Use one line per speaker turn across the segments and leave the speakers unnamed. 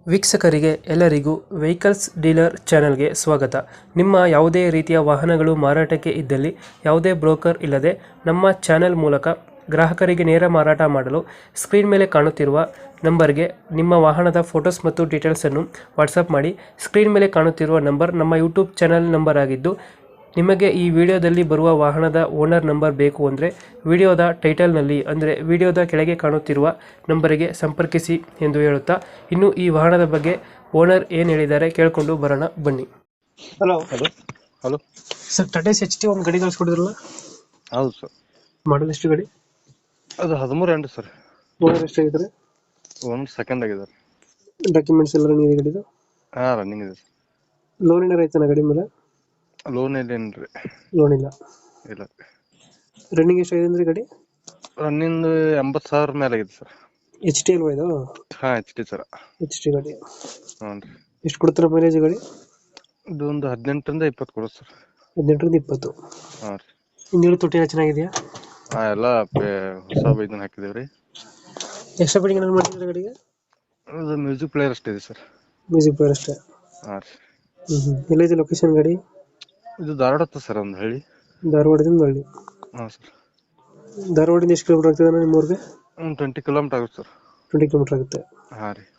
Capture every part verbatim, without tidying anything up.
ವೀಕ್ಷಕರಿಗೆ ಎಲ್ಲರಿಗೂ vehicles dealer ಚಾನೆಲ್ಗೆ ಸ್ವಾಗತ. ನಿಮ್ಮ ಯಾವುದೇ ರೀತಿಯ ವಾಹನಗಳು ಮಾರಾಟಕ್ಕೆ ಇದ್ದಲ್ಲಿ ಯಾವುದೇ ಬ್ರೋಕರ್ ಇಲ್ಲದೆ ನಮ್ಮ ಚಾನೆಲ್ ಮೂಲಕ ಗ್ರಾಹಕರಿಗೆ ನೇರ ಮಾರಾಟ ಮಾಡಲು ಸ್ಕ್ರೀನ್ ಮೇಲೆ ಕಾಣುತ್ತಿರುವ ನಂಬರ್ಗೆ ನಿಮ್ಮ ವಾಹನದ ಫೋಟೋಸ್ ಮತ್ತು ಡೀಟೇಲ್ಸನ್ನು ವಾಟ್ಸಪ್ ಮಾಡಿ. ಸ್ಕ್ರೀನ್ ಮೇಲೆ ಕಾಣುತ್ತಿರುವ ನಂಬರ್ ನಮ್ಮ ಯೂಟ್ಯೂಬ್ ಚಾನೆಲ್ ನಂಬರ್ ಆಗಿದ್ದು, ನಿಮಗೆ ಈ ವಿಡಿಯೋದಲ್ಲಿ ಬರುವ ವಾಹನದ ಓನರ್ ನಂಬರ್ ಬೇಕು ಅಂದರೆ ವಿಡಿಯೋದ ಟೈಟಲ್ನಲ್ಲಿ ಅಂದರೆ ವಿಡಿಯೋದ ಕೆಳಗೆ ಕಾಣುತ್ತಿರುವ ನಂಬರಿಗೆ ಸಂಪರ್ಕಿಸಿ ಎಂದು ಹೇಳುತ್ತಾ, ಇನ್ನು ಈ ವಾಹನದ ಬಗ್ಗೆ ಓನರ್ ಏನು ಹೇಳಿದ್ದಾರೆ ಕೇಳಿಕೊಂಡು ಬರೋಣ ಬನ್ನಿ. Hello
hello hello
sir, Tata H T ಒಂದು ಗಾಡಿ ಕಳಿಸ್ಕೊಡಿದ್ರಲ್ಲ,
ಹೌದು ಸರ್.
ಮಾಡಲ್ ಎಷ್ಟು ಗಾಡಿ?
ಅದು ಹದಿಮೂರು ಎಂಟು ಸರ್.
ಓನರ್ ಎಷ್ಟಾಗಿದ್ದಾರೆ?
ಒಂದು ಸೆಕೆಂಡ್ ಆಗಿದೆ.
ಡಾಕ್ಯುಮೆಂಟ್ಸ್ ಎಲ್ಲ ರನ್ನಿಂಗ್ ಇದೆ ಗಾಡಿದು?
ಹಾಂ, ರನ್ನಿಂಗ್ ಇದೆ ಸರ್.
ಲೋನ್ ಏನಾರು ಐತನ ಗಾಡಿ ಮೇಲೆ?
ಲೋನ್ ಇಲ್ಲೇನು ರೀ?
ಲೋನ್ ಇಲ್ಲ.
ಇಲ್ಲ.
ರನ್ನಿಂಗ್ ಎಷ್ಟಾಗಿದೆ ಅಂದ್ರೆ ಗಾಡಿ?
ರನ್ನಿಂಗ್ ಎಂಬತ್ತು ಸಾವಿರ ಮೇಲೆ ಆಗಿದೆ ಸರ್.
ಎಚ್ ಟಿ ಅಲ್ವಾ ಇದು?
ಹಾಂ, H T sir.
H T ಗಾಡಿ.
ಹ್ಞೂ ರೀ.
ಎಷ್ಟು ಕೊಡ್ತಾರೆ ಮೈಲೇಜ್ ಗಾಡಿ?
ಇದು ಒಂದು ಹದಿನೆಂಟರಿಂದ ಇಪ್ಪತ್ತು ಕೊಡು ಸರ್.
ಹದಿನೆಂಟರಿಂದ ಇಪ್ಪತ್ತು.
ಹಾಂ ರೀ.
ಹಿಂದಿನ ತೊಟ್ಟಿ ಎಲ್ಲ ಚೆನ್ನಾಗಿದೆಯಾ?
ಹಾಂ, ಎಲ್ಲ ಪೇ ಹೊಸ ಇದನ್ನ ಹಾಕಿದೇವೆ ರೀ.
ಎಕ್ಸ್ಟ್ರಾ ಬಿಡಿಂಗ್ ಏನಾದ್ರು ಮಾಡ್ತಿದ್ರೆ ಗಾಡಿಗೆ?
ಅದು ಮ್ಯೂಸಿಕ್ ಪ್ಲೇಯರ್ ಅಷ್ಟೇ ಇದೆ ಸರ್.
ಮ್ಯೂಸಿಕ್ ಪ್ಲೇಯರ್ ಅಷ್ಟೇ.
ಹಾಂ ರೀ.
ಹ್ಞೂ ಹ್ಞೂ ಎಲ್ಲೈತೆ ಲೊಕೇಶನ್ ಗಾಡಿ?
ಇದು ಧಾರವಾಡ ಹತ್ತ ಸರ್, ಒಂದು ಹಳ್ಳಿ.
ಧಾರವಾಡದಿಂದ ಹಳ್ಳಿ.
ಹಾಂ ಸರ್.
ಧಾರವಾಡದಿಂದ ಎಷ್ಟು ಕಿಲೋಮೀಟರ್ ಆಗ್ತದೆ ನಿಮ್ಮ ಊರಿಗೆ?
ಒಂದು ಟ್ವೆಂಟಿ ಕಿಲೋಮೀಟರ್ ಆಗುತ್ತೆ ಸರ್.
ಟ್ವೆಂಟಿ ಕಿಲೋಮೀಟರ್ ಆಗುತ್ತೆ.
ಹಾಂ ರೀ.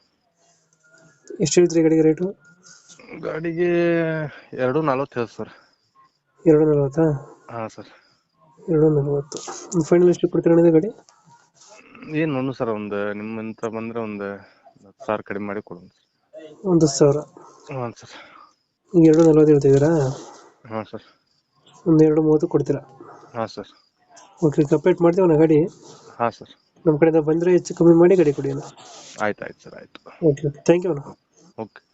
ಎಷ್ಟು ಹೇಳ್ತೀರಿ ಗಾಡಿಗೆ ರೇಟು?
ಗಾಡಿಗೆ ಎರಡು ನಲ್ವತ್ತು ಹೇಳಿ ಸರ್.
ಎರಡು ನಲ್ವತ್ತಾ?
ಹಾಂ ಸರ್.
ಎರಡು ನಲ್ವತ್ತು. ಫೈನಲ್ ಎಷ್ಟು ಕೊಡ್ತೀರ ಗಾಡಿ?
ಏನು ಒಂದು ಸರ್, ಒಂದು ನಿಮ್ಮಂತ ಬಂದರೆ ಒಂದು ಹತ್ತು ಸಾವಿರ ಕಡಿಮೆ ಮಾಡಿ ಕೊಡೋಣ ಸರ್.
ಒಂದು ಹತ್ತು ಸಾವಿರ?
ಹಾಂ ಸರ್.
ಈಗ ಎರಡು ನಲ್ವತ್ತು ಹೇಳ್ತಿದ್ದೀರಾ?
ಹಾಂ ಸರ್.
ಒಂದು ಎರಡು ಮೂವತ್ತು ಕೊಡ್ತೀರಾ?
ಹಾಂ ಸರ್.
ಓಕೆ, ಕಂಪ್ಲೀಟ್ ಮಾಡ್ತೀವಿ ನಾ ಗಾಡಿ.
ಹಾಂ ಸರ್.
ನಮ್ಮ ಕಡೆಯಿಂದ ಬಂದರೆ ಹೆಚ್ಚು ಕಮ್ಮಿ ಮಾಡಿ ಗಾಡಿ ಕೊಡಿ ಅಣ್ಣ.
ಆಯ್ತು ಆಯ್ತು ಸರ್, ಆಯಿತು.
ಓಕೆ ಓಕೆ, ಥ್ಯಾಂಕ್ ಯು ಅಣ್ಣ.
ಓಕೆ.